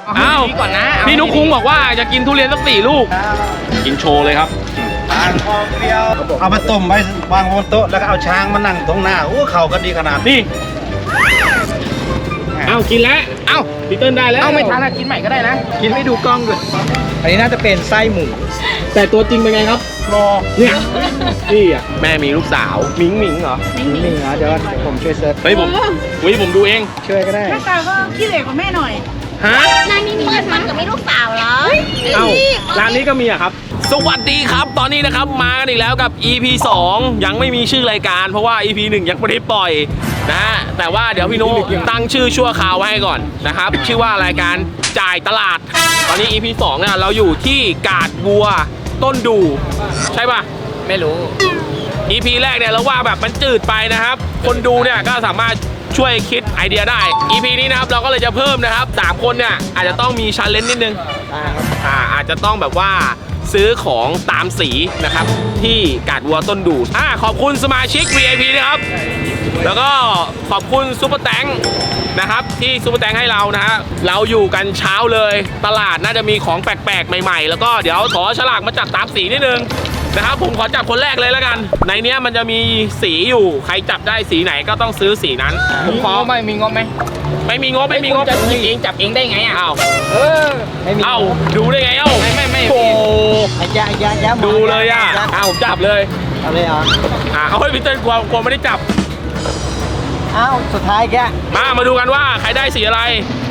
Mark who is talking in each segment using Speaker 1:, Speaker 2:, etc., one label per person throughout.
Speaker 1: อ้าวก่อนนะพี่นุ๊กคุ้งบอกว่าจะกินทุเรียนสัก4 ลูกกินโชว์เลยครับ
Speaker 2: เอามาต้มไว้วางบนโต๊ะแล้วก็เอาช้างมานั่งตรงหน้าโอ้เข่าก็ดีขนาด
Speaker 1: นี่เอากินแล้วเอาพี่เติ้ลได้แล้วเอาไม่ทันกินใหม่ก็ได้นะกินไม่ดูกล้องเลย
Speaker 3: อันนี้น่าจะเป็นไส้หมู
Speaker 1: แต่ตัวจริงเป็นไงครับรอเนี่ยนี่อ่ะแม่มีลูกสาวมิงเหรอ
Speaker 3: มิงเหรอเดี๋ยวผมช่วยเซิร์ช
Speaker 1: เฮ้ยผมดูเอง
Speaker 3: ช่วยก็ได้
Speaker 4: หน้าตาก็ขี้เหร่กว่าแม่หน่อย
Speaker 1: ฮะ
Speaker 4: ร้านนี้มีมันกับมีลูกสาวเหรอ
Speaker 1: เอ้าร้านนี้ก็มีอะครับสวัสดีครับตอนนี้นะครับมากันอีกแล้วกับ EP 2ยังไม่มีชื่อรายการเพราะว่า EP 1ยังไม่ได้ปล่อยนะแต่ว่าเดี๋ยวพี่นุ๊กตั้งชื่อชั่วคราวไว้ให้ก่อนนะครับชื่อว่ารายการจ่ายตลาดตอนนี้ EP 2เนี่ยเราอยู่ที่กาดบัวต้นดูใช่ป่ะ
Speaker 3: ไม่รู้
Speaker 1: EP แรกเนี่ยเราว่าแบบมันจืดไปนะครับคนดูเนี่ยก็สามารถช่วยคิดไอเดียได้ EP นี้นะครับเราก็เลยจะเพิ่มนะครับ3 คนเนี่ยอาจจะต้องมีชาเลนจ์นิดนึงอาจจะต้องแบบว่าซื้อของตามสีนะครับที่กาดวัวต้นดูขอบคุณสมาชิก VIP นะครับแล้วก็ขอบคุณซุปเปอร์แตงนะครับที่ซุปเปอร์แตงให้เรานะฮะเราอยู่กันเช้าเลยตลาดน่าจะมีของแปลกๆใหม่ๆแล้วก็เดี๋ยวขอฉลากมาจับตามสีนิดนึงนะครับผมขอจับคนแรกเลยแล้วกันในเนี้ยมันจะมีสีอยู่ใครจับได้สีไหนก็ต้องซื้อสีนั้น
Speaker 3: ผมขอไม่มีงบไหม
Speaker 1: ไม่มีงบ
Speaker 3: จะเองจับเองได้ไงอ่ะ
Speaker 1: ไม่มีดูได้ไงไม่
Speaker 3: โอ้ยา
Speaker 1: ดูเลยอ่ะผมจับเลย
Speaker 3: เอาเลยเหรอ
Speaker 1: เอาให้พี่เติ้ลกลัวไม่ได้จับ
Speaker 3: สุดท้ายแก
Speaker 1: มาดูกันว่าใครได้สีอะไร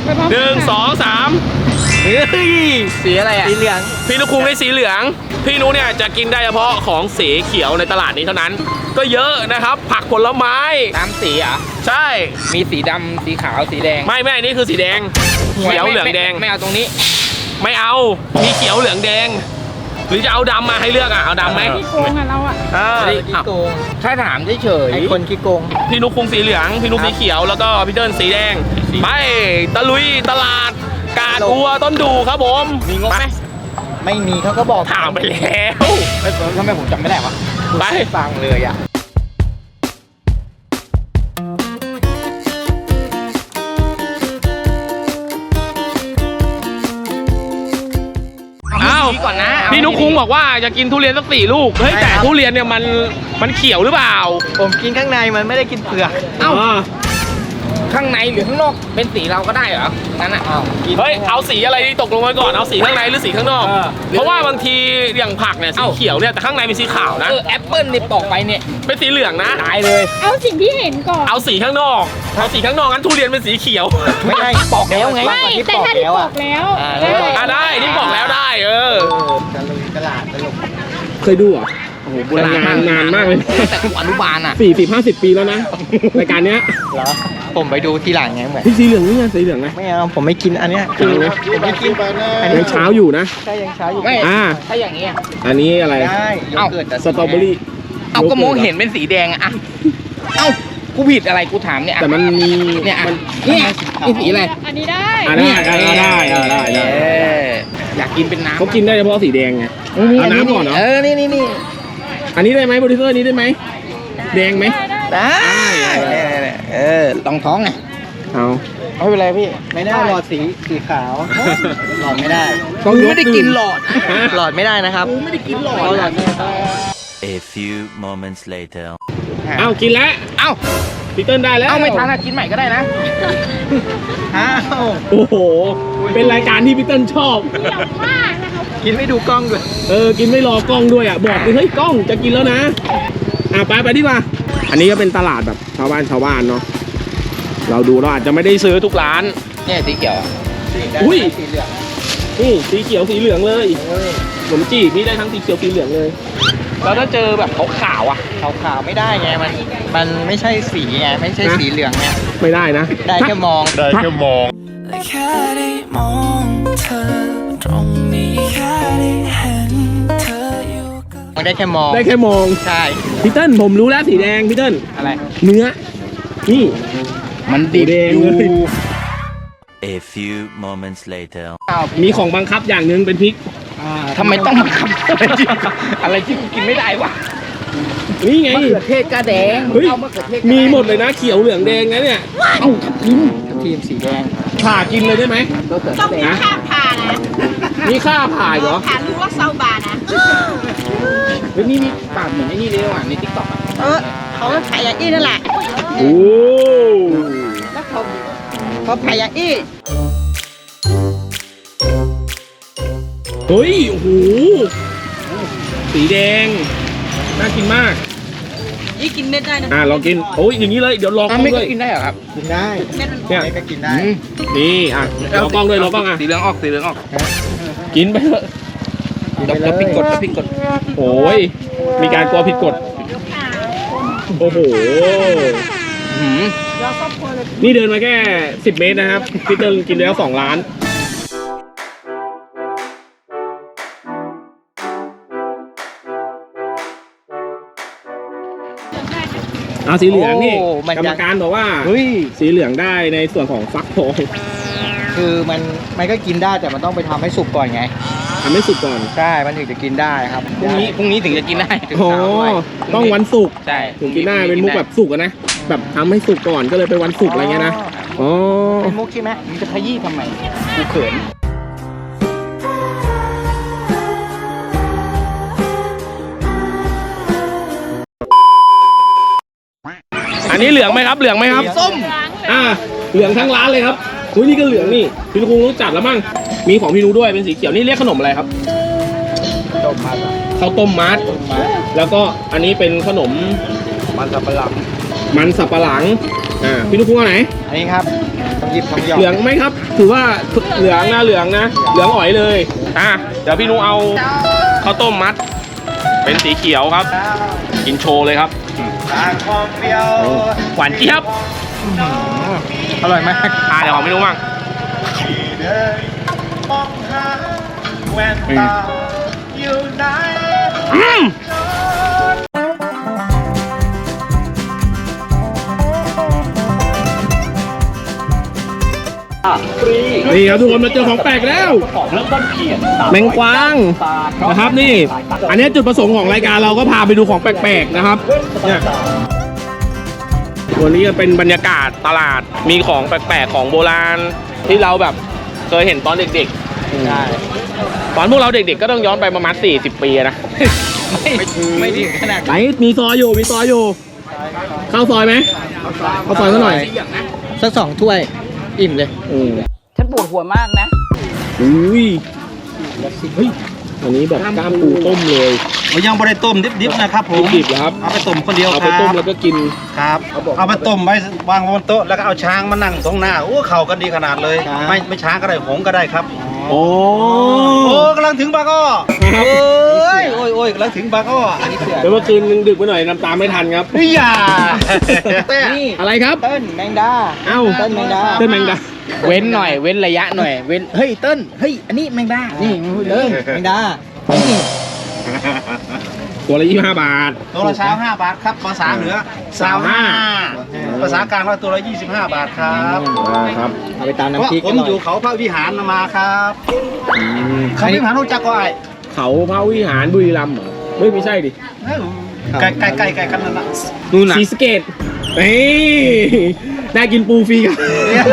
Speaker 1: 1 2 3
Speaker 3: สีอะไรอ่ะสีเหลือง
Speaker 1: พี่นุ๊กคุ้งได้สีเหลืองพี่นุ๊กเนี่ยจะกินได้เฉพาะของสีเขียวในตลาดนี้เท่านั้นก็เยอะนะครับผักผลไม้
Speaker 3: ตามสีอ่ะ
Speaker 1: ใช่
Speaker 3: มีสีดำสีขาวสีแดง
Speaker 1: ไม่นี่คือสีแดงเขียวเหลืองแดง
Speaker 3: ไม่เอาตรงนี้
Speaker 1: ไม่เอามีเขียวเหลืองแดงหรือจะเอาดำมาให้เลือกเอาดำไหม
Speaker 4: ขี้โกงเรา
Speaker 3: ขี้โกงถ้าถามเฉยไอ้คนขี้โกง
Speaker 1: พี่นุ๊กคุ้งสีเหลืองพี่นุ๊กสีเขียวแล้วก็พี่เติ้ลสีแดงไปตะลุยตลาดกาดบัวต้นดูครับผม
Speaker 3: มีงบไหมไม่มีเขาก็บอก
Speaker 1: ถามไปแล้ว
Speaker 3: ทำไมผมจำไม่ได้วะ
Speaker 1: ไป
Speaker 3: ฟังเลยอ่ะ
Speaker 1: ก่อนนะพี่นุ๊กคุ้งบอกว่าจะกินทุเรียนสัก4 ลูกเฮ้ยแต่ทุเรียนเนี่ยมันเขียวหรือเปล่า
Speaker 3: ผมกินข้างในมันไม่ได้กินเปลือกข้างในหรือข้างนอกเป็นสีเราก็ได้เหรอนั่นน่ะ
Speaker 1: เฮ้ยเอาสีอะไรดีตกลงมาก่อนเอาสีข้างในหรือสีข้างนอกเพราะว่าบางทีอย่างผักเนี่ยสีเขียวเนี่ยแต่ข้างในเป็นสีขาวนะ
Speaker 3: แอปเปิ้ลนี่ปอกไปเนี่ย
Speaker 1: เป็นสีเหลืองนะ
Speaker 3: ตายเลย
Speaker 4: เอาสิ่งที่เห็นก่อน
Speaker 1: เอาสีข้างนอกงั้นทุเรียนเป็นสีเขียว
Speaker 3: ไม่ใช่ปอกแล้วไง
Speaker 4: ไม่แต่ถ้าที่ปอกแล้ว
Speaker 1: ได้ที่ปอกแล้วได้
Speaker 3: ตลาดตลก
Speaker 1: เคยดูอ่ะโอ้โหโบราณนานมากเลย
Speaker 3: แต่อนุบาลอ่ะ
Speaker 1: 40-50 ปีแล้วนะรายการเนี้ย
Speaker 3: เหรอผมไปดูทีหลังไงเหมือน
Speaker 1: สีเหลืองนี่ไงสีเหลืองไง
Speaker 3: ไม่เอาผมไม่กินอันเนี้ยผมไม่กิน
Speaker 1: ยังเช้าอยู่นะ
Speaker 3: ใช่ยังเช้าอยู่
Speaker 1: ไม่
Speaker 3: ถ้าอย่างนี้
Speaker 1: อันนี้อะไรสตรอเบอรี่
Speaker 3: เอาก็มองเห็นเป็นสีแดงอ่ะกูผิดอะไรกูถามเนี่ย
Speaker 1: แต่มันมี
Speaker 3: เนี่ยนี่สีอะไร
Speaker 4: อันนี้ได้
Speaker 1: ได้
Speaker 3: อยากกินเป็นน้ำ
Speaker 1: เขากินได้เฉพาะสีแดงไงเอาน้ำก่อนเหรอ
Speaker 3: นี่
Speaker 1: อันนี้ได้ไหมโปรดิวเซอร์นี้ได้ไหมแดงไหม
Speaker 3: ได้ลองท้องไงไม่เป็นไรพี่ไม่ได้หลอดสีขาวหลอดไม่ได้ไม่ได้กินหลอดไม่ได้นะครับ
Speaker 1: ไม่ได้กินหลอด
Speaker 5: A few moments later
Speaker 1: กินแล้วพี่เติ้ลได้แล้ว
Speaker 3: ไม่ทันกินใหม่ก็ได้นะ
Speaker 1: โอ้โหเป็นรายการที่พี่เติ้ลชอบ
Speaker 4: มากนะครับ
Speaker 3: กินไม่ดูกล้องด้วย
Speaker 1: กินไม่รอกล้องด้วยบอกเลยเฮ้ยกล้องจะกินแล้วนะไปดีกว่าอันนี้ก็เป็นตลาดแบบชาวบ้านเนาะเราดูเราอาจจะไม่ได้ซื้อทุกร้าน
Speaker 3: เนี่ยสีเขียว
Speaker 1: อุ้ยสีเหลืองนี่สีเขียวสีเหลืองเลยขนมจีบนี่ได้ทั้งสีเขียวสีเหลืองเลยแล้วถ้าเจอแบบขาว
Speaker 3: ขาวไม่ได้ไงมันไม่ใช่สีไงไม่ใช่สีเหลืองเนี่ย
Speaker 1: ไม่ได้นะ
Speaker 3: ได้แค่มอง
Speaker 5: แค่
Speaker 6: ได้มองเธอตรงนี้แค่ได้เห็นเธออยู่
Speaker 3: มันได้แค่มองใช่
Speaker 1: พี่เติ้ลผมรู้แล้วสีแดงพี่เติ้ล
Speaker 3: อะไร
Speaker 1: เนื้อนี่
Speaker 3: มันดิบอยู่
Speaker 5: A few moments later
Speaker 1: มีของบังคับอย่างหนึ่งเป็นพริก
Speaker 3: ทำไมต้องบังคับอะไรที่กูกินไม่ได้วะ
Speaker 1: นี่ไง
Speaker 3: มะเขือเทศกระแดง
Speaker 1: มีหมดเลยนะเขียวเหลืองแดงนะเนี่ย
Speaker 3: ทับทิมสีแดง
Speaker 1: ผ่ากินเลยได้ไหม
Speaker 4: ต้องมีค่าผ่านะ
Speaker 1: มีค่าผ่าเหรอ
Speaker 4: ผ่าลูกละ20 บาทนะ
Speaker 3: เฮ้ยนี่มีปากเหมือนไอ้นี่เลยว่ะในทิกตอก
Speaker 4: เขาผ่าอย่างอี้นั่นแหละ
Speaker 1: โอ้
Speaker 4: แล้วเขาผ่าอย่างอี้
Speaker 1: เฮ้ย โอ้โห สีแดง น่ากินมาก
Speaker 4: อี้กินเม็ดได้นะ
Speaker 1: ลองกิน โอ้ย อย่างนี้เลย เดี๋ยวรอกล้อง
Speaker 3: ไม่
Speaker 1: ด้
Speaker 3: ก็
Speaker 1: วย
Speaker 3: กินได้เหรอครับ
Speaker 2: กินได้
Speaker 4: เม็ดมัน
Speaker 1: เนี่ย
Speaker 2: ไม่ก็กินได้
Speaker 1: นี่รอกล้องด้วยรอกล้องอ่ะ
Speaker 3: สีเหลืองออกสีเหลืองออก
Speaker 1: กินไปเถอะ
Speaker 3: แล้วพริกกดแล้วพริกกด
Speaker 1: โอ้ย มีการกลัวผิดกฎ โอ้โห นี่เดินมาแค่ 10 เมตรนะครับ พี่เติร์นกินแล้ว2 ล้าน เอาสีเหลืองนี่
Speaker 3: โอ้มัน
Speaker 1: กรรมการบอกว่า
Speaker 3: เฮ้ย
Speaker 1: สีเหลืองได้ในส่วนของฟักทอง
Speaker 3: คือมันก็กินได้แต่มันต้องไปทำให้สุกก่อนไง
Speaker 1: ทำให้สุกก่อน
Speaker 3: ใช่ มันถึงจะกินได้ครับ พรุ่งนี้ถึงจะกินได้ถึง
Speaker 1: โอ้
Speaker 3: เช้าด้วย
Speaker 1: ต้องวันศุกร์
Speaker 3: ใช่
Speaker 1: ถึงกินได้เป็นมุกแบบสุกอะนะ แบบทำให้สุกก่อนก็เลยไปวันศุกร์อะไรเงี้ยนะ อ๋อ
Speaker 3: เป็นมุกใช่ไหมมึงจะขยี้ทำไมกูเขิน
Speaker 1: อันนี้เหลืองไหมครับ เหลืองไหมครับ
Speaker 3: ส้ม
Speaker 1: เหลืองทั้งร้านเลยครับอุ้ยนี่ก็เหลืองนี่ พี่นุ้งรู้จักแล้วมั้ง มีของพี่นุ้ด้วยเป็นสีเขียว นี่เรียกขนมอะไรครับ
Speaker 3: ต้มมัด
Speaker 1: ข้าวต้มมัด แล้วก็อันนี้เป็นขนม
Speaker 3: มันสับปะหลัง
Speaker 1: มันสับปะหลัง พี่นุ้งเอาไหน
Speaker 3: อันนี้ครับต้องหยิบต้องหยอด
Speaker 1: เหลืองไหมครับ ถือว่าเหลืองนะ เหลืองนะ เหลืองอ๋อยเลย เดี๋ยวพี่นุ้เอาข้าวต้มมัด เป็นสีเขียวครับ กินโชว์เลยครับ หวานเจี๊ยบ
Speaker 3: อร่อยมาก
Speaker 1: เดี๋ยวของพี่นุ้บ้างอืมนี่ครับทุกคนมาเจอของแปลกแล้วแมงกวางนะครับนี่ อันนี้จุดประสงค์ของรายการเราก็พาไปดูของแปลกๆนะครับเนี่ยวันนี้จะเป็นบรรยากาศตลาดมีของแปลกๆของโบราณที่เราแบบเคยเห็นตอนเด็กๆ
Speaker 3: ใช่
Speaker 1: ตอนพวกเราเด็กๆก็ต้องย้อนไปประมาณ40 ปีนะ
Speaker 3: ไม่ถึงขนาด
Speaker 1: ไหนมีซอยอยู่มีซอยอยู่เข้าซอยไหมเข้าซอยซะหน่อย
Speaker 3: สัก2 ถ้วย อิ่มเลย
Speaker 7: ฉันปวดหัวมากนะ
Speaker 1: อุ้ยเฮ้ยอันนี้แบบกล้ามปูต้มเลย
Speaker 2: มันยังไม่ได้ต้มดิบๆนะครับผม
Speaker 1: ดิบๆเหรอครับ
Speaker 2: เอาไปต้มคนเดียว
Speaker 1: เอา
Speaker 2: ค
Speaker 1: ไป
Speaker 2: รับ
Speaker 1: ต้มแล้วก็กิน
Speaker 2: ครับ เอาไปต้มไว้วางบนโต๊ะแล้วก็เอาช้างมานั่งตรงหน้าโอ้เข่ากันดีขนาดเลย ไม่ช้างก็ได้หงส์ก็ได้ครับ
Speaker 1: โอ้
Speaker 2: โอ้กำลังถึงบางอ้อโอ้ยโอ้ยกำลังถึงบางอ้ออันนี้เสือ
Speaker 1: เดี๋ยวเมื่อคืนนึงดึกไปหน่อยน้ำตาไม่ทันครับ
Speaker 2: นี่อย่า
Speaker 3: นี่
Speaker 1: อะไรครับ
Speaker 3: เติ้ลแมงดา
Speaker 1: เอ้า
Speaker 3: เติ้ลแมงดา
Speaker 1: เต้นแมงดา
Speaker 3: เว้นหน่อย เว้นระยะหน่อย เว้น เฮ้ย เติ้ลเฮ้ย อันนี้แมงดา นี่มึงพูดเลยแมงดา นี่
Speaker 1: ตัวละ25 บาท
Speaker 2: ตัวละ25 บาทครับภาษาเหนือ25ภาษากลางว่าตัวละ25 บาทครับ
Speaker 1: ครับ
Speaker 3: เอาไปตาม
Speaker 2: เพราะ
Speaker 3: น้ำพริก
Speaker 2: ผ
Speaker 3: กั
Speaker 2: ม
Speaker 3: นหน่อ
Speaker 2: อยู่
Speaker 3: ย
Speaker 2: เขาพระวิหารมาครับเขาวิหารรู้จักก็ไอ้
Speaker 1: เขาพระวิหารบุรีรัมย์เหรอไม่ใช่ดิ
Speaker 2: ไก่กันนั่นนะ
Speaker 3: นู่นน่ะ
Speaker 1: ศรีสะเกษได้กินปูฟรีครับ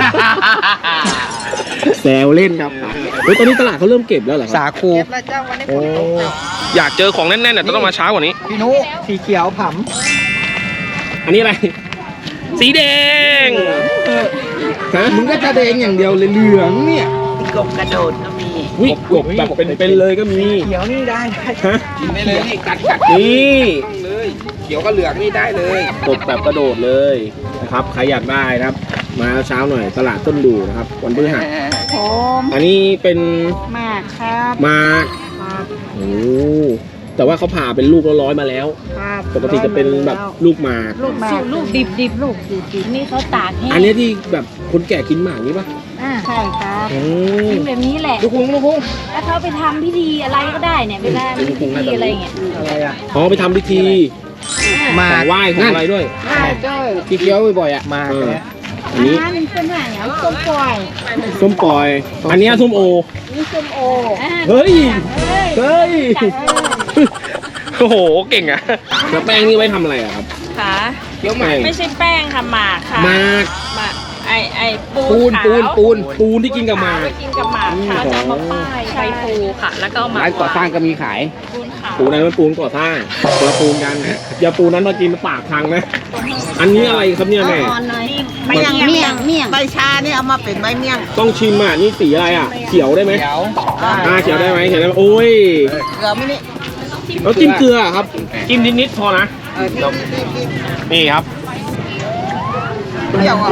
Speaker 1: แซวเล่นครับเฮ้ยตอนนี้ตลาดเขาเริ่มเก็บแล้วเหรอค
Speaker 3: สา
Speaker 1: รับ
Speaker 3: คู
Speaker 1: โอ้อยากเจอของแน่นๆเนี่ยต้องมาช้ากว่านี้
Speaker 3: พี่นุสีเขียวผ
Speaker 1: อันนี้อะไร สีแดงฮะ
Speaker 3: ำมึงก็จะแดงอย่างเดียวเลยเหลืองเนี่ย
Speaker 7: กบกระโดดก็มี
Speaker 1: วิกบแบบเป็นเลยก็มี
Speaker 3: เขียวนี่ได้
Speaker 1: ฮะ
Speaker 3: กินได้เลยนี่กัด
Speaker 1: นี่
Speaker 3: เลย เขียวกับเหลืองนี่ได้เลย
Speaker 1: กบแบบกระโดดเลยนะครับใครอยากได้นะครับ มาเช้าหน่อยตลาดต้นดูนะครับวันพฤหัส
Speaker 4: ผม
Speaker 1: อันนี้เป็น
Speaker 4: มากครับ
Speaker 1: หมากโอ้แต่ว่าเขาผ่าเป็นลูกร้อยๆมาแล้ว
Speaker 4: ครับ
Speaker 1: ปกติจะเป็นแบบลูกหมาก
Speaker 4: ลูกมากลูกดิบลูกดิบนี่เขาตากแห้ง
Speaker 1: อันนี้ที่แบบคนแก่กินหมากนี่ปะ
Speaker 4: ใช่ครับ
Speaker 1: โอ้
Speaker 4: กินแบบนี้แหละ
Speaker 1: ลูกคุ้ง
Speaker 4: แล้วเขาไปทำพิธีอะไรก็ได้เนี่ยเวลามีพิธีอะไรเงี้ย
Speaker 3: อะไรอ่ะ
Speaker 1: อ๋อไปทำพิธี
Speaker 3: มา
Speaker 1: ของไหว้ของอะไรด้วย
Speaker 4: ใช่ด้วย
Speaker 3: พี่เคี้ยวบ่อยๆอ่ะ มา
Speaker 1: เออ
Speaker 3: เนี่ย
Speaker 1: อันนี้
Speaker 4: มันเป็นอะไรอ่ะส้มปล่อย
Speaker 1: ส้มปล่อย อันนี้ส้มโอ
Speaker 4: นี่ส้มโอ
Speaker 1: เฮ้ย เฮ้ย
Speaker 4: จัดเลย
Speaker 1: โอ้โห เก่งอะแล้วแป้งนี่ไว้ทำอะไรอะครับ
Speaker 7: ค่ะ
Speaker 1: เคี้ยวหมาก
Speaker 7: ไม่ใช่แป้งค่ะหมากค่ะ
Speaker 1: หมาก
Speaker 7: หมากไอ้ปู
Speaker 1: ปูน
Speaker 7: ขาว
Speaker 1: ปูนที่กินกับหมาก
Speaker 7: ไปกินกับหมากค่ะ
Speaker 1: อ๋อ
Speaker 7: จะมาป้ายใบปูค่ะ แล้วก็มา
Speaker 3: ร้านก่อสร้างก็มีขาย
Speaker 7: ปูนขาว
Speaker 1: ปูนั้นมันปูนก่อสร้างคนละปูนกันอย่าปูนั้นมากินปากพังนะอันนี้อะไรครับเนี่ยแม่
Speaker 7: ใบเมี่ยง
Speaker 4: เมี่ยง
Speaker 7: ใบชานี่เอามาเป็นใบเมี่ยง
Speaker 1: ต้องชิมอ่ะนี่สีอะไรอ่ะเขียวได้ไหม
Speaker 3: เดี๋ยว
Speaker 1: เขียวได้ไหมเขียวได้ไหมโอ้ย
Speaker 7: เกลือไหม่นี่
Speaker 1: แล้วจิ้มเกลือครับจิ้มนิดๆพอนะนี่ครับ
Speaker 7: เปรี้ยวอ่ะ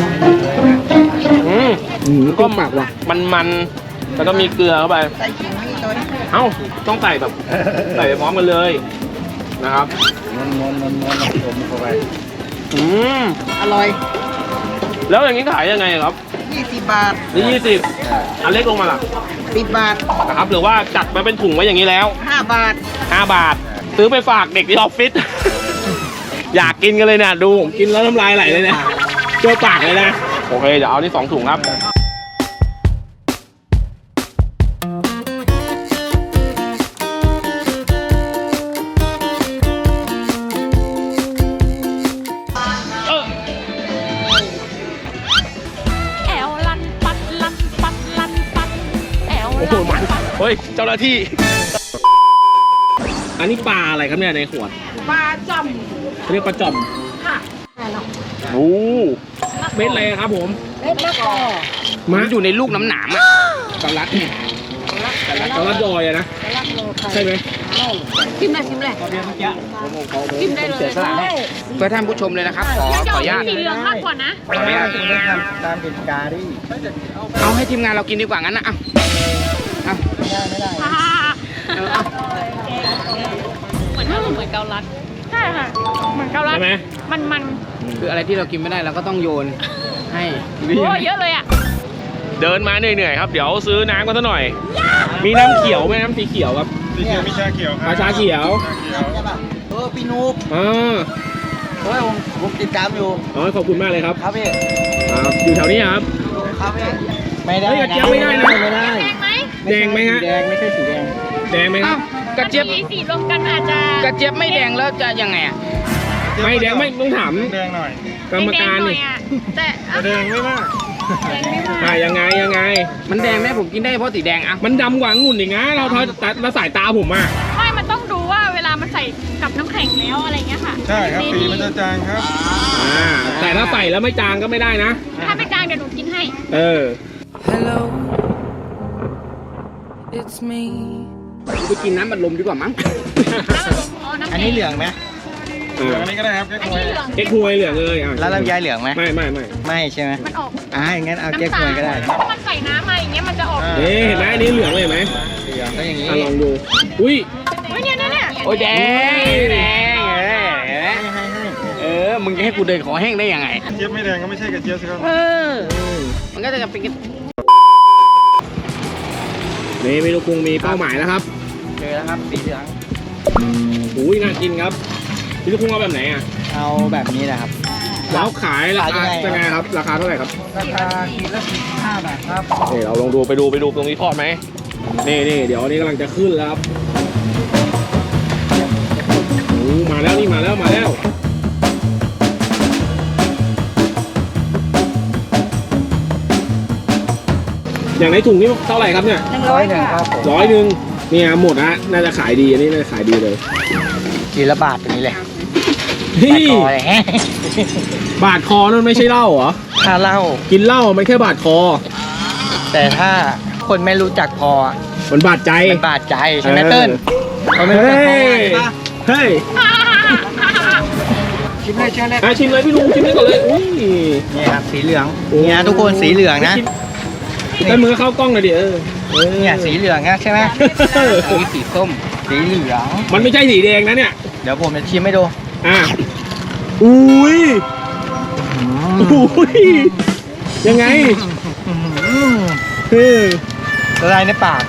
Speaker 1: ก็หมักว่ะมันแล้วก็มีเกลือเข้าไป
Speaker 7: ใส่ขิงนี่ตัวนี้
Speaker 1: เอ้าต้องใส่แบบใส่ไปพร้อมกันเลยนะครับ
Speaker 2: ม้วนผมเข้าไป
Speaker 1: อืม
Speaker 7: อร่อย
Speaker 1: แล้วอย่างนี้ขายยังไงครับ
Speaker 7: 20 บาท
Speaker 1: นี่20อันเล็กลงมาล่ะ
Speaker 7: 10 บาท
Speaker 1: นะครับหรือว่าจัดมาเป็นถุงไว้อย่างนี้แล้ว
Speaker 7: 5 บาท
Speaker 1: 5 บาท ซื้อไปฝากเด็กที่ออฟฟิศ อยากกินกันเลยเนี่ยดูผมกินแล้วน้ำลายไหลเลยเนี่ยเจ้าปากเลยนะโอเคเดี๋ยวเอานี่2ถุงครับ
Speaker 4: แอวลันปัดลันปัดลันปัดแอว
Speaker 1: โอ้โหมันเฮ้ยเจ้าหน้าที่ อันนี้ปลาอะไรครับเนี่ยในขวด
Speaker 7: ปลาจ่อม
Speaker 1: เขาเรียกปลาจ่อม
Speaker 7: ค่ะ
Speaker 1: โอ้เม็ดอะไรครับผม
Speaker 7: เล็กมากกอ
Speaker 3: มันอยู่ในลูกน้ำหนามอะกะลัดเนี่ย
Speaker 1: กระลัดดอยอะนะใช่ไหม
Speaker 4: ชิมเลยชิมเลยชิมได้เลย
Speaker 3: เพื่อท่านผู้ชมเลยนะครับ ขออนุญาต
Speaker 4: สีเหลืองมากกว่านะ
Speaker 3: ขออนุญาต
Speaker 2: ตามเป็นกาดิ
Speaker 3: เอาให้ทีมงานเรากินดีกว่างั้นนะเอา
Speaker 4: เหมือนเกาลัดใช่ค่ะเหมือนเกาลัด
Speaker 1: ใช่ไหม
Speaker 4: มัน
Speaker 3: คืออะไรที่เรากินไม่ได้เราก็ต้องโยนให้
Speaker 4: โอ้เยอะเลยอ่ะ
Speaker 1: เดินมาเหนื่อยๆครับเดี๋ยวซื้อน้ำกันซะหน่อย มีน้ำเขียวไหมน้ำสีเขียวครับ
Speaker 2: สีเขียวมีชาเขียวครับ
Speaker 1: ชาเขียว
Speaker 7: พี่นูบ
Speaker 1: อ่า
Speaker 7: เฮ้ยผมติดตามอยู่
Speaker 1: อ๋อขอบคุณมากเลยครับ
Speaker 7: ครับพี่
Speaker 1: อยู่แถวนี้ครับ
Speaker 7: ครับพี่
Speaker 3: ไม่ได้
Speaker 1: เฮ้ยกระเจี๊ยบไม่ได้นะ
Speaker 3: ไม่ได้
Speaker 4: แดงไหม
Speaker 1: แดงไหมฮะ
Speaker 3: แดงไม่ใช่สีแดง
Speaker 1: แดงไหมค
Speaker 3: อ้า
Speaker 1: รั
Speaker 3: ว
Speaker 1: บ
Speaker 3: กระเจี๊ยบ
Speaker 4: มีสีรวมกันอาจจะ
Speaker 3: กระเจี๊ยบไม่แดงแล้วจะยังไงอะ
Speaker 1: ไม่แดงไม่ต้องถาม
Speaker 2: แดงหน่อย
Speaker 1: กรรมการ
Speaker 4: แดงๆหน่อ
Speaker 1: นี่
Speaker 4: ยอะแต่
Speaker 2: แดงไม่มาก
Speaker 4: แดงไม่มาก
Speaker 1: ยังไง
Speaker 3: มันแดงไหมผมกินได้เพราะสีแดงอะ
Speaker 1: มันดำกว่าองุ่นอีกนะเราเราสายตาผมอ่ะ
Speaker 4: ไม่มันต้องดูว่าเวลามันใส่กับน้ำแข็งแล้วอะไรเงี้ยค่ะ
Speaker 2: ใช่ครับสีมันจะจางครับ
Speaker 1: แต่ถ้าใส่แล้วไม่จางก็ไม่ได้นะ
Speaker 4: ถ้าไม่จางเดี๋ยวหนูกินให้
Speaker 1: เออ
Speaker 6: Hello, it's me.
Speaker 3: ไปกินน้ำบัดลมดีกว่ามั้ง
Speaker 4: น้ำ
Speaker 7: อันนี้เหลืองไหม
Speaker 2: อันนี้ก็ได้ครับแค่
Speaker 4: อัน
Speaker 2: ควย
Speaker 4: นี้เหลือง
Speaker 1: เก๊กฮวยเหลืองเลยอ่ะ
Speaker 7: แล้วลำไยเหลืองไหม
Speaker 1: ไม่
Speaker 7: ไม่ใช่ไหม
Speaker 4: มันออก
Speaker 7: อย่างงั้นเอาแก้ควยก็ได้
Speaker 4: ถ้ามันใส่น้ำมาอย่างเงี้ยมันจะออก
Speaker 1: นี่เห็นไหมอันนี้เหลืองเลยเห็นไหม
Speaker 7: ก็อย่างนี้
Speaker 1: ลองดูอุ้ย
Speaker 4: เฮ้ยเนี่ย
Speaker 3: โอ้ยแดงมึงจะให้กูเดินขอแห้งได้ยังไง
Speaker 2: เจี๊ยบไม่แดงก็ไม่ใช่กระเจี๊ยบสิครับ
Speaker 3: มันก็จะเป็น
Speaker 1: นี่เมนูปรุงมีเป้าหมายแล้วครับ
Speaker 7: เจอแล้วครับสีเหลือง
Speaker 1: อุ้ยน่ากินครับพี่ลูกคุ้งเอาแบบไหนอ่ะ
Speaker 7: เอาแบบนี้นะครับ
Speaker 1: แล้วขายราคา
Speaker 7: ขายยังไง
Speaker 1: เป็นไงครับ ราคาเท่าไหร่ครับ
Speaker 7: ราคาขีดละ45 บาทครับ
Speaker 1: นี่เราลองดูไปดูตรงนี้ทอดไหมนี่เดี๋ยวอันนี้กำลังจะขึ้นแล้วครับโอ้มาแล้วนี่มาแล้วอย่างในถุงนี่เท่าไหร่ครับเนี่ย
Speaker 7: 100ครับผม
Speaker 1: 100เนี่ยหมดนะน่าจะขายดีอันนี้น่าจะขายดีเลย
Speaker 7: ขีดละบาทตัวนี้เลย
Speaker 1: เฮ้ย
Speaker 7: พอเลย
Speaker 1: บาดคอนั่นไม่ใช่เหล้าเหรอ
Speaker 7: ถ้าเหล้า
Speaker 1: กินเหล้ามันแค่บาดคอ
Speaker 7: แต่ถ้าคนไม่รู้จักพอ
Speaker 1: มันบาดใจ
Speaker 7: มันบาดใจใช่ไหมเติ้ลเขาไม่รู้จักพอใช่ปะ
Speaker 1: เฮ้ย
Speaker 7: ชิมเลยเชิญเลย
Speaker 1: ชิมเลยพี่ลุงชิมเลยก่อนเลยอุ้ย
Speaker 7: นี่ครับสีเหลืองเนี่ยทุกคนสีเหลืองนะ
Speaker 1: ได้มือเข้ากล้องเลยดิ
Speaker 7: เนี่ยสีเหลืองนะใช่ไหม
Speaker 3: มีสีส้ม
Speaker 7: สีเหลือง
Speaker 1: มันไม่ใช่สีแดงนะเนี่ย
Speaker 7: เดี๋ยวผมจะชิมให้ดู
Speaker 1: อุ้ยยังไง
Speaker 7: ละลายในปาก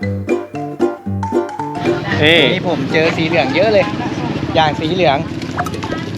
Speaker 7: นี่ผมเจอสีเหลืองเยอะเลย อย่างสีเหลือง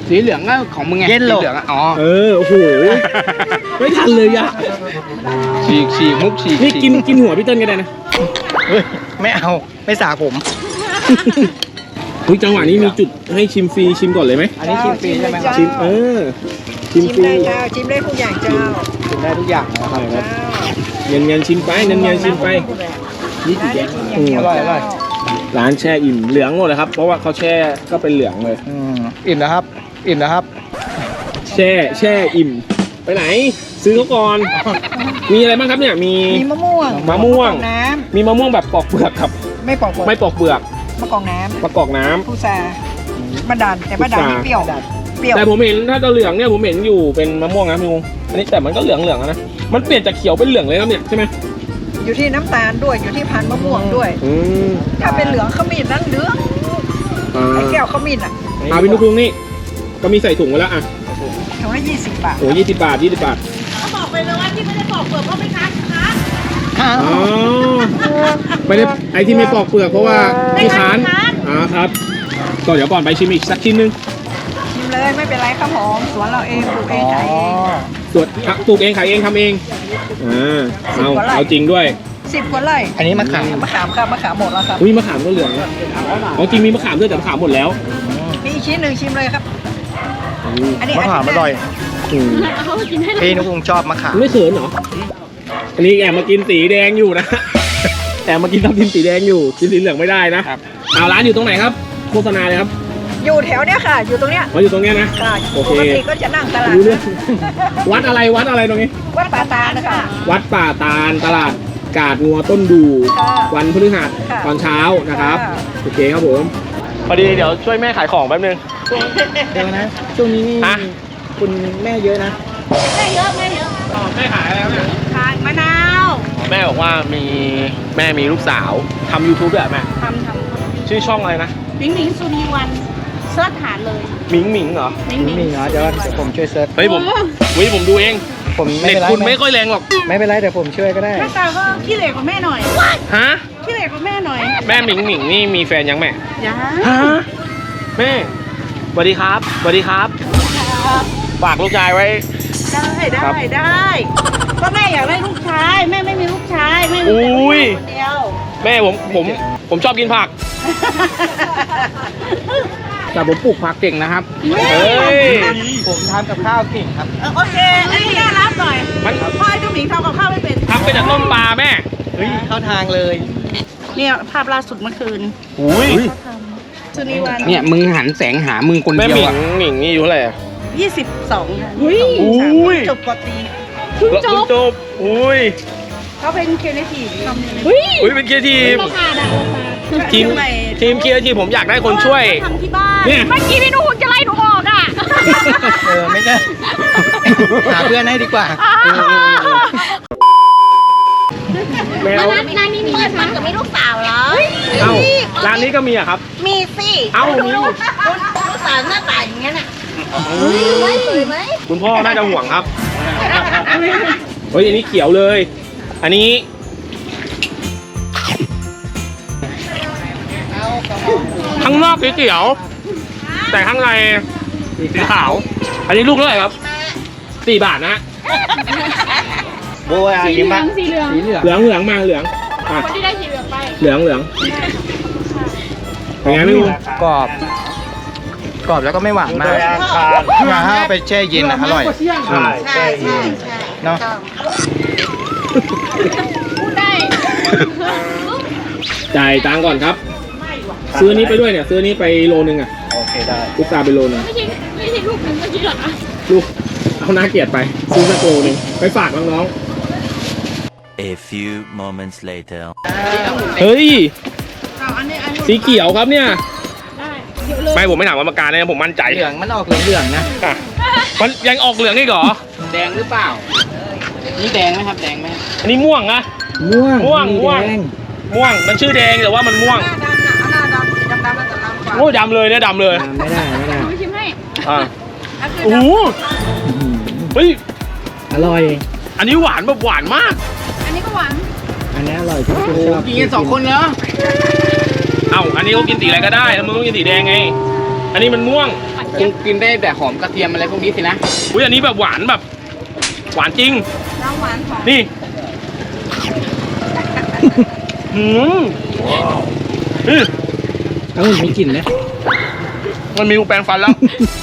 Speaker 7: สีเหลืองก็ของมึงไง
Speaker 3: เย็นโล
Speaker 7: สีเหลืองอะอ๋อ
Speaker 1: โอ้โหไม่ทันเลยอะ
Speaker 7: ฉีกมุกฉีก
Speaker 1: นี่กินหัวพี่เติ้ลก็ได้นะ
Speaker 3: เฮ้ยไม่เอาไม่สาผม
Speaker 1: อุ๊ยจังหวะนี้มีจุดให้ชิมฟรีชิมก่อนเลยไหม
Speaker 3: อันนี้ชิมฟรีใช่ไหมครับ
Speaker 1: ชิมชิมฟรี
Speaker 8: ชิมได้ทุกอย่างเจ้า
Speaker 3: ชิมได้ทุกอย่างนะครับ
Speaker 1: ครับเงินชิมไปเงินชิมไปนี่กี่แกง
Speaker 3: อร่อยอร่อย
Speaker 1: ร้านแช่อิ่มเหลืองหมดเลยครับเพราะว่าเขาแช่ก็เป็นเหลืองเลย
Speaker 3: อิ่มแล้วครับ อิ่มแล้วครับ
Speaker 1: แช่อิ่มไปไหน ซื้อเขาก่อน มีอะไรบ้างครับเนี่ยมี
Speaker 8: มีมะม่วง
Speaker 1: มะม่วง
Speaker 8: น้
Speaker 1: มีมะม่วงแบบปอกเปลือกครับ
Speaker 8: ำไม่ปอกเปลือก
Speaker 1: ไม่ปอกเปลือก
Speaker 8: มะกอกน้
Speaker 1: ประกอบน้ำ
Speaker 8: ำพุทราบะดานแต่บะดานนี่เปรี้ยวเปรี้ยว
Speaker 1: แต่ผมเห็นถ้าจะเหลืองเนี่ยผมเห็นอยู่เป็นมะม่วงนะพี่งงอันนี้แต่มันก็เหลืองแล้วนะมันเปลี่ยนจากเขียวเป็นเหลืองเลยครับเนี่ยใช่ไหม
Speaker 8: อยู่ที่น้ำตาลด้วยอยู่ที่พันธุ์มะม่วงด้วย
Speaker 1: อืม
Speaker 8: ถ้าเป็นเหลืองขมิ้นนั้นเหลืองไอ้แก้วขมิ้นอ่ะ
Speaker 1: พี่นุ๊กนี่ก็มีใส่ถุงไว้แล้วอ่ะ
Speaker 8: ถุงละ20 บาท
Speaker 1: โอ้20 บาท20 บาท
Speaker 4: เขาบอกไปเลยว่าที่ไม่ได้ปอกเปลือกเพราะไม่ค้าค้า
Speaker 1: อ๋อไม่ได้ไอที่ไม่ปอกเปลือกเพราะว่าที่ค้านครับก็เดี๋ยวก่อนไปชิมอีกสักชิ้นนึง
Speaker 8: ชิมเลยไม่เป็นไรครับผมสวนเราเองปลูกเองขายเอง
Speaker 1: ส่วนปลูกเองขายเองทำเองเอาจริงด้วย
Speaker 8: 10 กว่าไร่
Speaker 3: อันนี้มะขาม
Speaker 8: มะขามครับมะขามหมดแล้วครับ
Speaker 1: อุ้ยมะขามก็เหลืองอ๋อจริงมีมะขามด้วยแต่มะขามหมดแล้ว
Speaker 8: มีอีกชิ้นหนึ่งชิมเลยครับ อันนี้
Speaker 3: มะขามอร่อย
Speaker 4: เขากินให้
Speaker 3: พี่นุ๊กชอบมะขาม
Speaker 1: ไม่เขินเหรออันนี้แอบมากินสีแดงอยู่นะแอบมากินทับทิมสีแดงอยู่กินสีเหลืองไม่ได้นะเอาร้านอยู่ตรงไหนครับโฆษณาเลยครับ
Speaker 8: อยู่แถวเนี้ยค่ะ อยู่ตรงเนี้ย
Speaker 1: อยู่ตรงเนี้ยนะ
Speaker 8: ค่ะ
Speaker 1: โอเค
Speaker 8: ปกติก็จะนั่งตลาด
Speaker 1: รู้เรื่องวัดอะไรตรงนี้
Speaker 8: วัดป่าตาลนะคะ
Speaker 1: วัดป่าตาลตลาดกาดงัวต้นดู
Speaker 8: ค่ะ
Speaker 1: วันพฤหัส
Speaker 8: ค่ะ
Speaker 1: ตอนเช้านะครับ
Speaker 8: ค่ะ
Speaker 1: โอเคครับผมพอดีเดี๋ยวช่วยแม่ขายของแป๊บนึง
Speaker 3: เดี๋ยวนะ ช่วงนี้นี่
Speaker 1: ฮะ
Speaker 3: คุณแม่เยอะนะ
Speaker 4: แม่เยอะแม่เยอะ
Speaker 1: แม่ขายอะไรครับเนี่ย
Speaker 4: ขายมะนาว
Speaker 1: แม่บอกว่าแม่มีลูกสาวทำ YouTube ด้วยเหรอแม่
Speaker 4: ทำ
Speaker 1: ชื่อช่องอะไรนะ
Speaker 4: หมิงหมิงสุนีวันเสิร์ชหาเลย
Speaker 1: หมิงหมิงเหรอ
Speaker 4: หมิงหมิง
Speaker 3: มีเหรอเดี๋ยวผมช่วยเซิร์ช
Speaker 1: เฮ้ยผมดูเอง
Speaker 3: ผมไม่
Speaker 1: เน็ต
Speaker 3: เป็นไร
Speaker 1: คุณไม่ค่อยแรงหรอก
Speaker 3: ไม่เป็นไรเดี๋ยวผมช่วยก็ได้
Speaker 4: หน้าตาก็ขี้เหร่กว่าแม่หน่อย
Speaker 1: ฮะ
Speaker 4: ขี้เหร่กว่าแม่หน่อย
Speaker 1: แม่หมิงหมิงนี่มีแฟนยังแม่
Speaker 4: อย่า
Speaker 1: ฮะแม่สวัสดีครับสวัสดีครับฝากลูกชายไว้
Speaker 4: ได้ก็แม่อยากได้ลูกชายแม่ไม่มีลูกชายแม่มีแต่ลูก
Speaker 1: อุ้ย
Speaker 4: ชายคนเดียว
Speaker 1: แม่ผมชอบกินผัก
Speaker 7: แต่ผมปลูกผักเก่งนะครับ
Speaker 1: เฮ้ย
Speaker 3: ผมทำกับข้าวเก่งครับ
Speaker 4: โอเคอันนี้น่ารับหน่อย
Speaker 1: มัน
Speaker 4: พ่อไอ้เจ้าหมิงทำกับข้าวไม่เป็น
Speaker 1: ทำเป็นจากต้มปลาแม่
Speaker 3: เฮ้ยเข้าทางเลย
Speaker 4: เนี่ยภาพล่าสุดเมื่อคืน
Speaker 1: อุ้ย
Speaker 4: สุนีวัน
Speaker 7: เนี่ยมึงหันแสงหามึงคน
Speaker 1: แม่
Speaker 7: เดี
Speaker 1: ห
Speaker 7: ยว
Speaker 1: มิง
Speaker 7: อะ
Speaker 1: หมิงนี่อยู่เท่าไหร่อะ
Speaker 4: 22
Speaker 1: อุ้ย
Speaker 4: จบปตรี
Speaker 1: จบอุ้ย
Speaker 4: เขาเป็นครีเอทีฟทำเนี่ย
Speaker 1: อุ้ยเป็นเคียร์ทีมทีมเคียร์ทีมผมอยากได้คนช่วย
Speaker 4: ทำที่บ้าน
Speaker 1: เนี่ย
Speaker 4: เมื่อกี้พี่นุ่นจะไล่หนูออกอ่ะ
Speaker 3: ไม่ใช่ หาเพื่อนให้ดีกว่า
Speaker 1: แมว
Speaker 4: ร้านนี้มีมันกับมีลูกสาวเหรอ
Speaker 1: เอ้าร้านนี้ก็มีอะครับ
Speaker 4: มีสิ
Speaker 1: เอ้ามี
Speaker 4: ลูกสาวหน้าตาอย่างเงี้ยน่ะไม่สวยไหม
Speaker 1: คุณพ่อน่าจะห่วงครับเฮ้ยอันนี้เขียวเลย อันนี้ข้างนอกสีเขียว แต่ข้างในสีขาว อันนี้ลูกเท่าไหร่ครับ4 บาทนะฮะ
Speaker 3: โบยอะไรกินบ้าง
Speaker 4: สีเหลือง
Speaker 1: เหลืองมาเหลืองอ่ะ
Speaker 4: คนที่ได้สีเหลืองไป
Speaker 1: เหลืองเป็นไงไม่รู้
Speaker 3: กรอบ กรอบแล้วก็ไม่หวานมากถ้าเอาไปแช่เย็นนะอร่อย
Speaker 1: ใช่
Speaker 4: ใช่ใช่
Speaker 3: เนาะ
Speaker 4: พูดได้
Speaker 1: จ่ายตังค์ก่อนครับ ซื้อนี้ไปด้วยเนี่ย ซื้อนี้ไปโลนึงอ่ะ
Speaker 3: โอเคได้
Speaker 1: ลูกตาไปโลนึง
Speaker 4: ไม่ใช่ลูกหนึ่งเมื่อกี้เหรอ
Speaker 1: ลูกเอาหน้าเกลียดไป ซื้อสักโลนึงไปฝากน้อง
Speaker 5: A few moments later.
Speaker 1: ๆเฮ้ย สีเขียวครับเนี่ย ไม่ผมไม่ถามกรรมการนะผมมั่นใจ
Speaker 3: เหลืองมันออกเหลืองๆนะ
Speaker 1: อ่ะมันยังออกเหลืองอีกเหรอ
Speaker 7: แดงหรือเปล่า นี่แดงไหมครับแดงไหม
Speaker 1: อันนี้ม่วงนะ
Speaker 3: ม่วง
Speaker 1: ม่วง มันชื่อแดงแต่ว่ามันม่วง
Speaker 8: หน้าดำสีดำๆแล้วจะดำกว่า
Speaker 1: โอ้ดำเลยเนี่ยดำเลย
Speaker 3: ไม่ได้
Speaker 4: หนูชิมให้
Speaker 1: อ่ะ
Speaker 8: อันคือ
Speaker 1: โอ้โหเฮ้ย
Speaker 3: อร่อย
Speaker 1: อันนี้หวานแบบหวานมาก
Speaker 4: อันนี้ก็หวาน
Speaker 3: อันนี้อร่อยที่คุณชอบ
Speaker 7: กินกัน2 คนเหรอ
Speaker 1: เอ้าอันนี้เขากินสีอะไรก็ได้แล้วมึงต้องกินสีแดงไง อันนี้มันม่วง
Speaker 3: เคงกินได้แต่หอมกระเทียมอะไรพวกนี้สินะ
Speaker 1: อุ้ยอันนี้แบบหวานแบบ หวานจริง
Speaker 4: น้ำหวานหอม
Speaker 1: นี่หืม
Speaker 7: เอาไม่กินนะ
Speaker 1: มันมีแปรงฟันแล้ว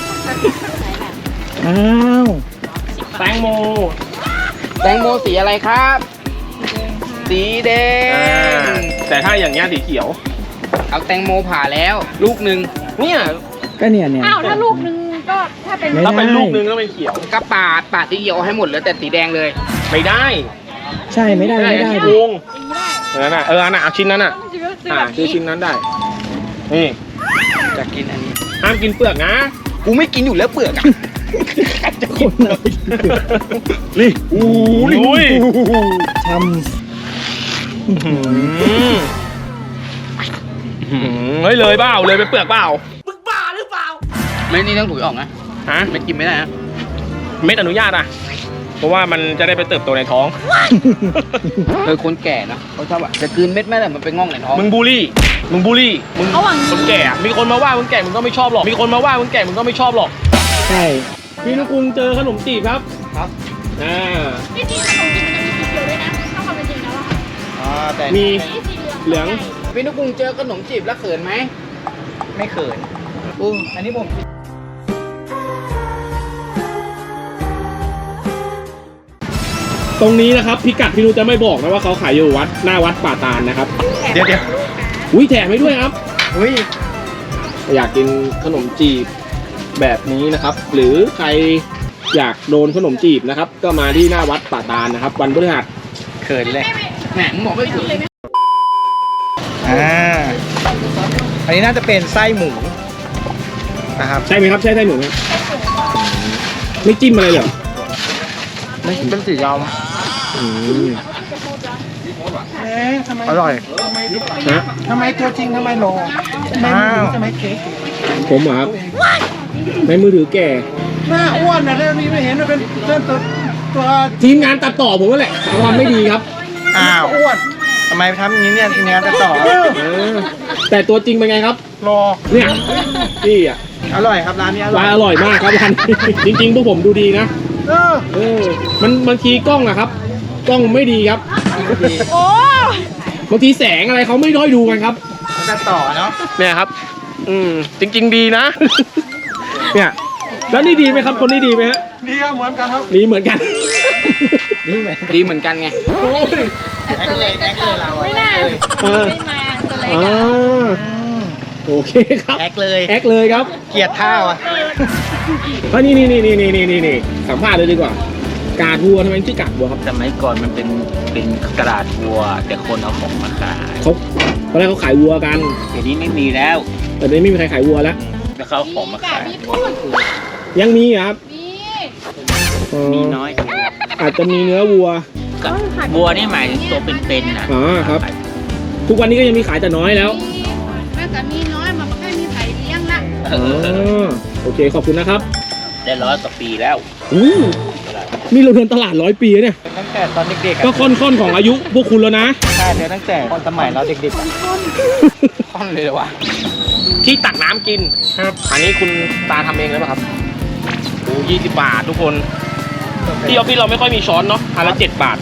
Speaker 7: อ้าว
Speaker 1: แตงโม
Speaker 3: แตงโมสีอะไรครับ สีแดง
Speaker 1: แต่ถ้าอย่างเงี้ยสีเขียว
Speaker 3: เอาแตงโมผ่าแล้วลูกหนึ่ง
Speaker 1: เนี่ย
Speaker 7: ก็เนี่ย
Speaker 4: อ้าวถ้าลูกนึงก็ถ้าเป็น
Speaker 7: ไม่
Speaker 1: ถ้าเป็น
Speaker 7: ได้
Speaker 1: ลูกนึงก็เป็นเขียว
Speaker 3: ก็ปาดสีเขียวให้หมดเหลือแต่สีแดงเลย
Speaker 1: ไม่ได้
Speaker 7: ใช่ไม่ได้ไม่ได้
Speaker 1: โก
Speaker 7: ดิ
Speaker 1: งนั่นน่ะอันน่ะเอาชิ้นนั้นน่ะคือชิ้นนั้นได้ นี่
Speaker 3: จะกินอันนี้
Speaker 1: ห้ามกินเปลือกนะ
Speaker 3: กูไม่กินอยู่แล้วเปลือกอะ
Speaker 7: คนเรา
Speaker 1: นี่อู้ย
Speaker 7: ท
Speaker 1: เฮ้ยเลยเปล่าเลยไปเปลือกเปล่า
Speaker 3: ไม่นี่ต้องถุยออกนะ
Speaker 1: ฮะ
Speaker 3: ไม่กินไม่ได้นะ
Speaker 1: เม็ดอนุญาตอ่ะ เพราะว่ามันจะได้ไปเติบโตในท้อง
Speaker 3: คนแก่นะเขาชอบอะจะกลืนเม็ดไม่ได้มันไปง่องในท้อง
Speaker 1: มึงบูลลี่ มึงคนแก่อะมีคนมาว่ามึงแก่มึงก็ไม่ชอบหรอก มีคนมาว่ามึงแก่มึงก็ไม่ชอบหรอก
Speaker 7: ำใช่
Speaker 1: พี่นุกุลเจอขนมจีบครับ
Speaker 3: ครับ
Speaker 8: ที่จริงขนมจีนมันจะมีสีเขียวด้วยนะถ้าความเป็นจริงแล้วอะค่ะ
Speaker 3: แต่
Speaker 1: มี
Speaker 8: สีเหลือง
Speaker 1: เหลือง
Speaker 3: พี่นุกรุงเจอขนมจีบแล้วเขินไหมไม่เขินอันนี้ผม
Speaker 1: ตรงนี้นะครับพิกัดพี่นุจะไม่บอกนะว่าเขาขายอยู่วัดหน้าวัดป่าตาลนะครับ
Speaker 2: เดี๋ยว
Speaker 1: อุ้ยแถมให้ด้วยครับ
Speaker 3: อุ้ย
Speaker 1: อยากกินขนมจีบแบบนี้นะครับ หรือใครอยากโดนขนมจีบนะครับ ก็มาที่หน้าวัดป่าตาลนะครับ วันพฤหัส
Speaker 3: เขินเลยแหมมึงบอกไม่เขิน
Speaker 7: อันนี้น่าจะเป็นไส้หมูนะครับ
Speaker 1: ใช่ไหมครับใช่ไส้หมูไหมไม่จิ้มอะไรเลยเหรอ
Speaker 7: ไม่เป็นสียอม
Speaker 1: อืม
Speaker 7: อร่อย
Speaker 1: ฮะ
Speaker 7: ทำไมตัวจริงทำไมโลทำไมเค้ก
Speaker 1: ผมเหรอครับในมือถือแก่
Speaker 7: หน้าอ้วนนะเรื่องนี้ไม่เห็นมันเป็นตัว
Speaker 1: ทีมงานตัดต่อผมก็แหละความไม่ดีครับ
Speaker 7: อ้าวอ้วนทำไมทำอย่างนี้เนี่ยทีมงานจะต่อ
Speaker 1: แต่ตัวจริงเป็นไงครับ
Speaker 7: รอ
Speaker 1: เนี่ยพี่อ่ะ
Speaker 7: อร่อยครับร้านนี้อร่
Speaker 1: ร้า
Speaker 7: อย
Speaker 1: นอร่อยมากครับร้านนี้ จริงๆพวกผมดูดีนะ มันบางทีกล้องอะครับ กล้องไม่ดีครับ
Speaker 4: โอ้
Speaker 1: บางทีแสงอะไรเขาไม่ด้อยดูกันครับ
Speaker 7: จะต่อเนาะ
Speaker 1: เนี่ยครับ จริง ๆ ดีนะ เนี่ยแล้วนี่ดีไหมครับ คนนี้ดีไหมฮะ
Speaker 7: นี่ก็เหมือนกันครับ
Speaker 1: ดีเหมือนกัน
Speaker 3: ดีเหมือนกันไง
Speaker 8: ไม่น่า
Speaker 1: เออ
Speaker 8: ไม่มาตัวเล็ก
Speaker 1: อ่
Speaker 8: อะ
Speaker 1: าโอเคครับ
Speaker 7: แอคเลย
Speaker 1: แอคเลยครับ
Speaker 7: เกลียดท่าว่ะ
Speaker 1: นี่สัมภาษณ์เลยดีกว่า กาดวัวทำไมชื่อกาดวัวครับ
Speaker 9: สมัยก่อนมันเป็นกระดาษวัว แต่คนเอาของมาขาย
Speaker 1: เขาตอนแรกเขาขายวัวกัน
Speaker 9: เดี๋ยวนี้ไม่มีแล้ว
Speaker 1: แต่เดี๋ยวนี้ไม่มีใครขายวัวแล้ว
Speaker 9: แล้วเขาเอาของมาขาย
Speaker 8: มีพูด
Speaker 1: ยังมีเหรอครับ
Speaker 8: มี
Speaker 1: อ๋อ
Speaker 9: มีน้อย
Speaker 1: อาจจะมีเนื้อวัว
Speaker 9: กับวัวนี่หมายถึงตัวเป็นๆนะ
Speaker 1: อ๋อครับ ทุกวันนี้ก็ยังมีขายแต่น้อยแล้ว
Speaker 8: แม่ก็มีน้อยมันไม่ค่อยมีไผ่เลี้ยงละ
Speaker 1: อ๋อโอเคขอบคุณนะครับ
Speaker 9: ได้100 กว่าปีแล้ว
Speaker 1: อู้นี่เราเดินตลาด100 ปีแล้วเนี่ย
Speaker 7: ตั้งแต่ตอนเด็กๆ
Speaker 1: ก็ค่อนของอายุพวกคุณแล้วนะ
Speaker 7: ใช่เดี๋ยวตั้งแต่ตอนสมัยเราเด็กๆอะ
Speaker 3: ค่อนเลยเหรอวะ
Speaker 1: ที่ตักน้ำกินครับ อันนี้คุณตาทำเองเลยป่ะครับโอ้20 บาททุกคน ที่ออฟฟิศเราไม่ค่อยมีช้อนเนาะอันละ7 บาท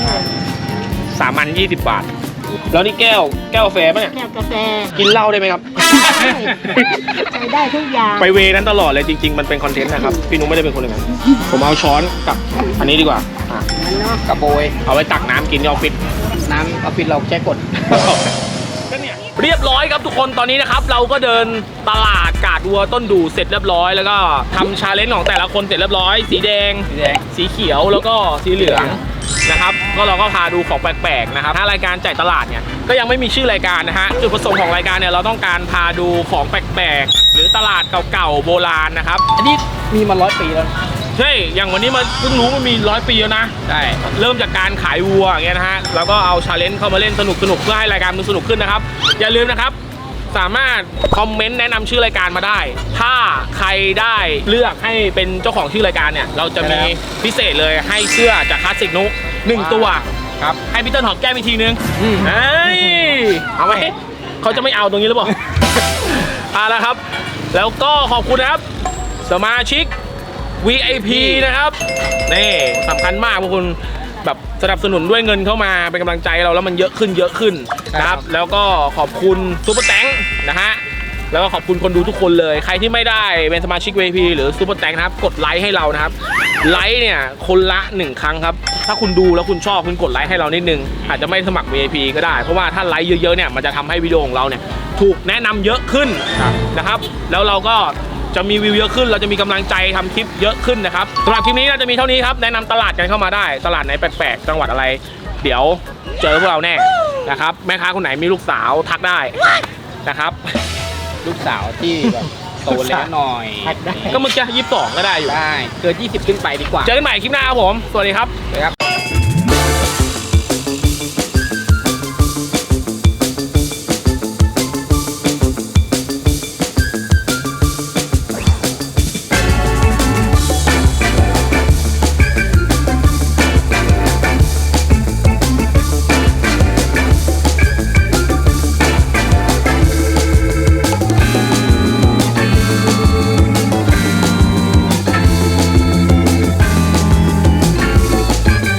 Speaker 1: 3 อัน20 บาท แล้วนี่แก้วกาแฟป่ะเนี่ย
Speaker 4: แก้วกาแฟ
Speaker 1: กินเหล้าได้ไหมครับ
Speaker 4: ใช้ได้ทุกอย่าง
Speaker 1: ไปเวนั้นตลอดเลยจริง ๆ มันเป็นคอนเทนต์นะครับ พี่นุ้งไม่ได้เป็นคนอย่างนั้นผมเอาช้อนกับอันนี้ดีกว่าอ่ะ
Speaker 3: กระโบย
Speaker 1: เอาไว้ตักน้ำกินที่ออฟฟิศ
Speaker 3: น้ำออฟฟิศเราใช้กด
Speaker 1: เรียบร้อยครับทุกคนตอนนี้นะครับ เราก็เดินตลาดกาดวัวต้นดูเสร็จเรียบร้อยแล้วก็ทำชาเลนจ์ของแต่ละคนเสร็จเรียบร้อย สีแดง สีเขียวแล้วก็สีเหลืองนะครับก็เราก็พาดูของแปลกๆนะครับถ้ารายการจ่ายตลาดเนี่ยก็ยังไม่มีชื่อรายการนะฮะจุดประสงค์ของรายการเนี่ยเราต้องการพาดูของแปลกๆหรือตลาดเก่าๆโบราณนะครับ
Speaker 3: อันนี้มีมา100 ปีแล้ว
Speaker 1: ใช่อย่างวันนี้มันเพิ่งรู้มันมี100 ปีแล้วนะใช่เริ่มจากการขายวัวอย่างเงี้ยนะฮะแล้วก็เอาชาเลนจ์เข้ามาเล่นสนุกๆเพื่อให้รายการมันสนุกขึ้นนะครับอย่าลืมนะครับสามารถคอมเมนต์แนะนำชื่อรายการมาได้ ถ้าใครได้เลือกให้เป็นเจ้าของชื่อรายการเนี่ยเราจะมีพิเศษเลยให้เสื้อจากคลาสสิกนุ1 ตัวครับให้พี่เติ้ลหอมแก้มอีกทีนึงเฮ้ยเอาไหมเขาจะไม่เอาตรงนี้หรือเปล่า เอาละครับ แล้วก็ขอบคุณนะครับสมาชิก VIP นะครับนี่สำคัญมากพวกคุณแบบสนับสนุนด้วยเงินเข้ามาเป็นกำลังใจเราแล้วมันเยอะขึ้นนะครับแล้วก็ขอบคุณซูเปอร์แตงนะฮะแล้วก็ขอบคุณคนดูทุกคนเลยใครที่ไม่ได้เป็นสมาชิก VIP หรือซูเปอร์แตงนะครับกดไลค์ให้เรานะครับไลค์เนี่ยคนละ1ครั้งครับถ้าคุณดูแล้วคุณชอบคุณกดไลค์ให้เรานิดนึงอาจจะไม่สมัคร VIP ก็ได้เพราะว่าถ้าไลค์เยอะๆเนี่ยมันจะทำให้วิดีโอของเราเนี่ยถูกแนะนำเยอะขึ้นนะครับแล้วเราก็จะมีวิวเยอะขึ้นเราจะมีกำลังใจทำคลิปเยอะขึ้นนะครับสำหรับคลิปนี้น่าจะมีเท่านี้ครับแนะนำตลาดกันเข้ามาได้ตลาดไหนแปลกๆจังหวัดอะไรเดี๋ยวเจอพวกเราแน่นะครับแม่ค้าคนไหนมีลูกสาวทักได้นะครับ
Speaker 9: ลูกสาวที่แบบโตแล้วหน่อย
Speaker 1: ก็เมื่อกี้22ก็ได้อยู่
Speaker 9: ได้เกิน20ขึ้นไปดีกว่า
Speaker 1: เจอกันใหม่คลิปหน้าครับผม สวัสดีครับ